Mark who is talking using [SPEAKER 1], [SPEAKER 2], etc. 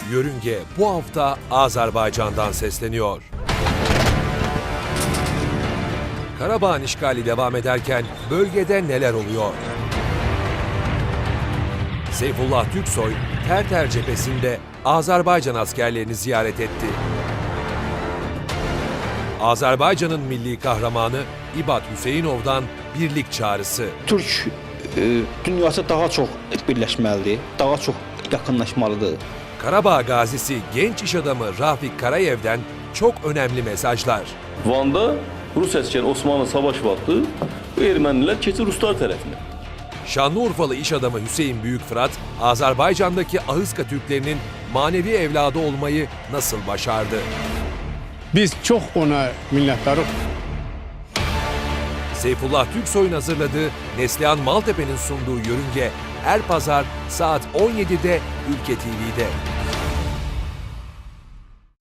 [SPEAKER 1] Yörünge bu hafta Azerbaycan'dan sesleniyor. Karabağ'ın işgali devam ederken bölgede neler oluyor? Seyfullah Türksoy, Terter cephesinde Azerbaycan askerlerini ziyaret etti. Azerbaycan'ın milli kahramanı İbat Hüseynov'dan birlik çağrısı.
[SPEAKER 2] Türk dünyası daha çox birləşməlidir, daha çox yaxınlaşmalıdır.
[SPEAKER 1] Karabağ gazisi genç iş adamı Rafik Karayev'den çok önemli mesajlar.
[SPEAKER 3] Van'da Rus əskər Osmanlı savaş vaxtı bu ermənilər keçir Ruslar tərəfinə.
[SPEAKER 1] Şanlıurfalı iş adamı Hüseyin Büyükfırat, Azerbaycan'daki Ahıska Türklerinin manevi evladı olmayı nasıl başardı?
[SPEAKER 4] Biz çox ona minnətdarıq.
[SPEAKER 1] Seyfullah Türksoy'un hazırladığı Neslihan Maltepe'nin sunduğu Yörünge her pazar saat 17'de Ülke TV'de.